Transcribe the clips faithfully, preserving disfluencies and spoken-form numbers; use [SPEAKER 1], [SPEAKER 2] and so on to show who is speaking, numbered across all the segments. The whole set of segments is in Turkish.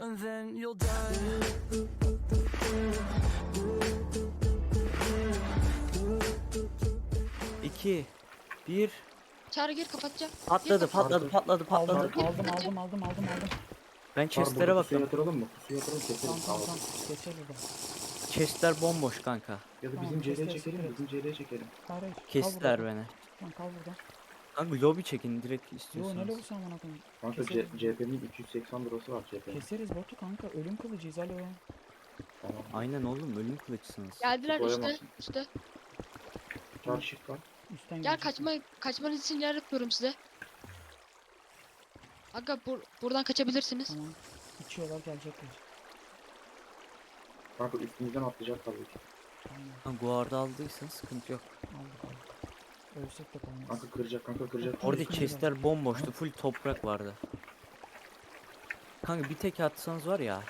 [SPEAKER 1] and then you'll die.
[SPEAKER 2] İki, bir.
[SPEAKER 3] Çağrı gir kapatacağım.
[SPEAKER 2] Patladı,
[SPEAKER 3] Gir,
[SPEAKER 2] patladı, patladı,
[SPEAKER 4] Aldım,
[SPEAKER 2] patladı.
[SPEAKER 4] aldım, aldım, aldım, aldım, aldım, aldım.
[SPEAKER 2] Ben
[SPEAKER 5] Çar
[SPEAKER 2] chestlere
[SPEAKER 5] burada pusuya
[SPEAKER 2] bakıyorum.
[SPEAKER 5] yatıralım mı? Pusuya yatıralım
[SPEAKER 4] Tamam,
[SPEAKER 5] keseriz.
[SPEAKER 4] tamam,
[SPEAKER 5] Tamam,
[SPEAKER 4] tamam. Geçer burada.
[SPEAKER 2] Chestler bomboş kanka.
[SPEAKER 5] Ya da
[SPEAKER 4] Tamam,
[SPEAKER 5] bizim C L'ye
[SPEAKER 4] keseriz,
[SPEAKER 5] çekelim,
[SPEAKER 4] keseriz.
[SPEAKER 5] bizim C L'ye çekelim.
[SPEAKER 4] Hayır, hayır. Kal
[SPEAKER 2] Kestiler
[SPEAKER 4] burada.
[SPEAKER 2] beni.
[SPEAKER 4] Tamam, kal burada.
[SPEAKER 2] Kanka lobi çekin direkt
[SPEAKER 4] Yo, ne
[SPEAKER 2] istiyorsanız.
[SPEAKER 4] lobusu amına koyayım.
[SPEAKER 5] Kanka C
[SPEAKER 4] Keseriz.
[SPEAKER 5] CHP'nin üç yüz seksen lirası var C H'nin.
[SPEAKER 4] Keseriz botu kanka. Ölüm kılıcıyız alo.
[SPEAKER 5] Tamam.
[SPEAKER 2] Aynen oğlum ölüm kılıçsınız.
[SPEAKER 3] Geldiler üstte.
[SPEAKER 5] Koyamazsın.
[SPEAKER 3] Üstte.
[SPEAKER 5] Çar shift var.
[SPEAKER 4] Üstten
[SPEAKER 3] Gel
[SPEAKER 4] gelecek.
[SPEAKER 3] kaçma kaçmanız için yer yapıyorum size. Aga bur buradan kaçabilirsiniz.
[SPEAKER 4] Tamam. İçiyorlar, gelecekler.
[SPEAKER 5] Kanka üstümüzden atlayacak tabii ki.
[SPEAKER 4] Tamam.
[SPEAKER 2] Ha, guarda aldıysan sıkıntı yok.
[SPEAKER 4] Aldık aldık. Ölsek de kalmaz.
[SPEAKER 5] Kanka kıracak, kanka kıracak.
[SPEAKER 4] Orada-
[SPEAKER 2] Orada
[SPEAKER 4] üstüne
[SPEAKER 2] chestler bomboştu. Full toprak vardı. Kanka bir tek atsanız var ya.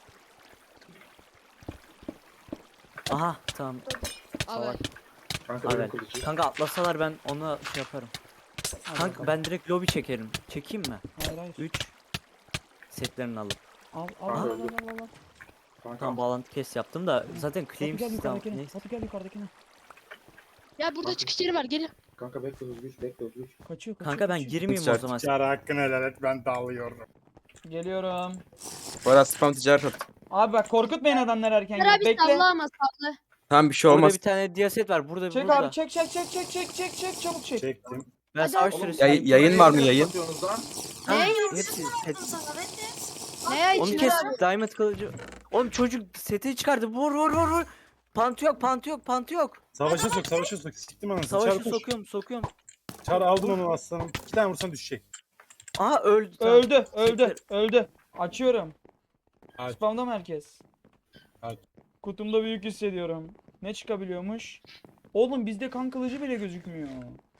[SPEAKER 2] Aha tamam.
[SPEAKER 3] Abi
[SPEAKER 2] Salak.
[SPEAKER 5] Kanka ölüm
[SPEAKER 2] Evet.
[SPEAKER 5] kılıcı.
[SPEAKER 2] Kanka atlasalar ben ona şey yaparım.
[SPEAKER 4] Hadi
[SPEAKER 2] Kanka
[SPEAKER 4] bakalım.
[SPEAKER 2] ben direkt lobi çekerim. Çekeyim mi?
[SPEAKER 4] Hayır hayır.
[SPEAKER 2] üç setlerini alıp.
[SPEAKER 4] Al al
[SPEAKER 5] Kanka
[SPEAKER 4] al al
[SPEAKER 5] öldü.
[SPEAKER 4] al al. al.
[SPEAKER 5] Kanka
[SPEAKER 2] Tamam bağlantı kes yaptım da zaten
[SPEAKER 4] Batu
[SPEAKER 2] claim
[SPEAKER 4] gel
[SPEAKER 2] sistem
[SPEAKER 4] yukarıdakine.
[SPEAKER 2] neyse.
[SPEAKER 4] Batu gel yukarıdakine.
[SPEAKER 3] ya burada
[SPEAKER 5] Bakın.
[SPEAKER 3] çıkış yeri var gelin.
[SPEAKER 5] kanka bekle hızlı güç, bekle hızlı güç.
[SPEAKER 4] Kaçıyor kaçıyor.
[SPEAKER 2] Kanka ben
[SPEAKER 4] kaçıyor.
[SPEAKER 2] girmeyeyim o zaman.
[SPEAKER 6] Çağrı hakkını helal et, ben dalıyorum.
[SPEAKER 4] Geliyorum.
[SPEAKER 7] Bana spam ticaret at.
[SPEAKER 4] Abi bak korkutmayın adamları erken.
[SPEAKER 3] Abi
[SPEAKER 4] Bekle.
[SPEAKER 3] salla ama salla.
[SPEAKER 7] Tamam bir şey
[SPEAKER 2] Burada
[SPEAKER 7] olmaz.
[SPEAKER 2] bir tane diyaset var. Burada
[SPEAKER 4] Çek
[SPEAKER 2] burada.
[SPEAKER 4] abi çek çek çek çek çek çek çek çabuk çek.
[SPEAKER 6] Çektim.
[SPEAKER 2] Ben
[SPEAKER 3] Hadi
[SPEAKER 2] savaş
[SPEAKER 3] oğlum,
[SPEAKER 2] süresi.
[SPEAKER 7] Yay- yayın var mı yayın?
[SPEAKER 5] Satıyorsunuz lan.
[SPEAKER 2] Ha,
[SPEAKER 3] Ne?
[SPEAKER 2] hepsi set.
[SPEAKER 3] Ne ya
[SPEAKER 2] Onu
[SPEAKER 3] içine
[SPEAKER 2] kes
[SPEAKER 3] abi?
[SPEAKER 2] diamond kılıcı. Oğlum çocuk seti çıkardı. Vur vur vur vur. Pantı yok, pantı yok, pantı yok.
[SPEAKER 6] Savaşa sok, savaşa sok. Siktim anasını.
[SPEAKER 2] Savaşı
[SPEAKER 6] Çağrı koş.
[SPEAKER 2] sokuyorum, sokuyorum.
[SPEAKER 6] Çağrı aldın onu aslanım. İki tane vursan düşecek.
[SPEAKER 2] Aha öldü. tamam.
[SPEAKER 4] Öldü öldü
[SPEAKER 2] Siktir.
[SPEAKER 4] öldü. Açıyorum.
[SPEAKER 6] Aç.
[SPEAKER 4] Spamda mı herkes?
[SPEAKER 6] Aç.
[SPEAKER 4] Kutumda büyük hissediyorum. Ne çıkabiliyormuş? Oğlum bizde kan kılıcı bile gözükmüyor.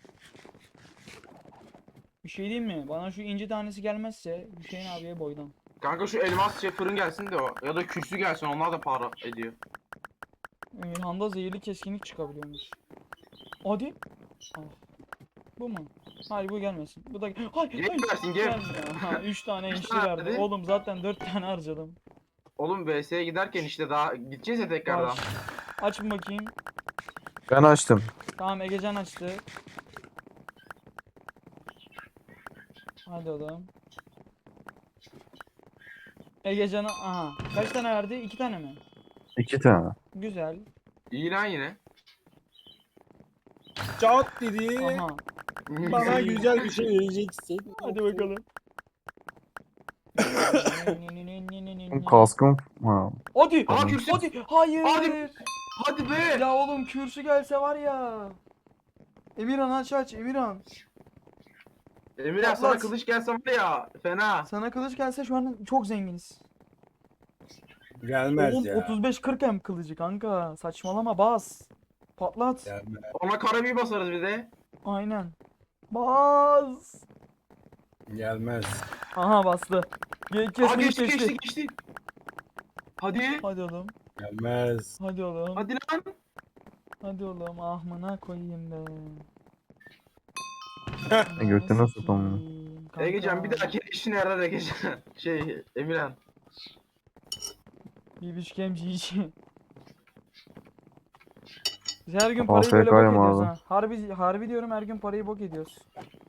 [SPEAKER 4] Bir şey diyeyim mi? Bana şu inci tanesi gelmezse Hüseyin abiye boydan.
[SPEAKER 8] Kanka şu elmas şey fırın gelsin de o. Ya da kürsü gelsin, onlar da para ediyor.
[SPEAKER 4] Emirhan'da zehirli keskinlik çıkabiliyormuş. Hadi. Ah. Bu mu? Hayır bu gelmesin. Bu da hayır, hayır.
[SPEAKER 8] Gelmesin, gel.
[SPEAKER 4] Gelmiyor. Ha, üç tane
[SPEAKER 8] Üç
[SPEAKER 4] enişte
[SPEAKER 8] tane
[SPEAKER 4] verdi.
[SPEAKER 8] dedi.
[SPEAKER 4] Oğlum zaten dört tane harcadım.
[SPEAKER 8] Oğlum V S'ye giderken işte daha gideceğiz ya tekrardan.
[SPEAKER 4] Aç. Aç bir bakayım.
[SPEAKER 7] Ben açtım.
[SPEAKER 4] Tamam Egecan açtı. Hadi oğlum. Egecan'a aha. Kaç tane verdi? İki tane mi?
[SPEAKER 7] İki tane.
[SPEAKER 4] Güzel.
[SPEAKER 8] İyi lan yine.
[SPEAKER 6] Çat dedi.
[SPEAKER 4] Aha.
[SPEAKER 6] Bana güzel bir şey vereceksin.
[SPEAKER 4] Hadi bakalım.
[SPEAKER 7] Kaskım. Ha.
[SPEAKER 4] Hadi.
[SPEAKER 8] Aa kürsü.
[SPEAKER 4] Hadi. Hayır.
[SPEAKER 8] Hadi. Hadi be.
[SPEAKER 4] Ya oğlum kürsü gelse var ya. Emirhan aç aç Emirhan.
[SPEAKER 8] Emirhan sana
[SPEAKER 4] Patlat.
[SPEAKER 8] kılıç gelse var ya fena.
[SPEAKER 4] Sana kılıç gelse şu an çok zenginiz.
[SPEAKER 6] Gelmez
[SPEAKER 4] Oğlum
[SPEAKER 6] ya.
[SPEAKER 4] otuz beş kırk hem kılıcı kanka. Saçmalama bas. Patlat.
[SPEAKER 6] Gelmez.
[SPEAKER 8] Ona karabiyi basarız bir de.
[SPEAKER 4] Aynen. Bas.
[SPEAKER 6] Gelmez.
[SPEAKER 4] Aha bastı. Ge
[SPEAKER 8] Aa
[SPEAKER 4] kesmiş
[SPEAKER 8] geçti
[SPEAKER 4] geçti.
[SPEAKER 8] geçti geçti. Hadi.
[SPEAKER 4] Hadi oğlum.
[SPEAKER 6] Gelmez.
[SPEAKER 4] Hadi oğlum.
[SPEAKER 8] Hadi lan.
[SPEAKER 4] Hadi oğlum. Ahmına koyayım be.
[SPEAKER 7] E, götüne sokamıyor.
[SPEAKER 4] Kanka.
[SPEAKER 8] Egecan bir dahaki işine yarar Egecan. Şey Emirhan.
[SPEAKER 4] Bir biçkem cici. Biz her gün
[SPEAKER 7] Afiyet
[SPEAKER 4] parayı böyle bok
[SPEAKER 7] olsun
[SPEAKER 4] ediyoruz
[SPEAKER 7] abi.
[SPEAKER 4] ha. Harbi, harbi diyorum her gün parayı bok ediyoruz.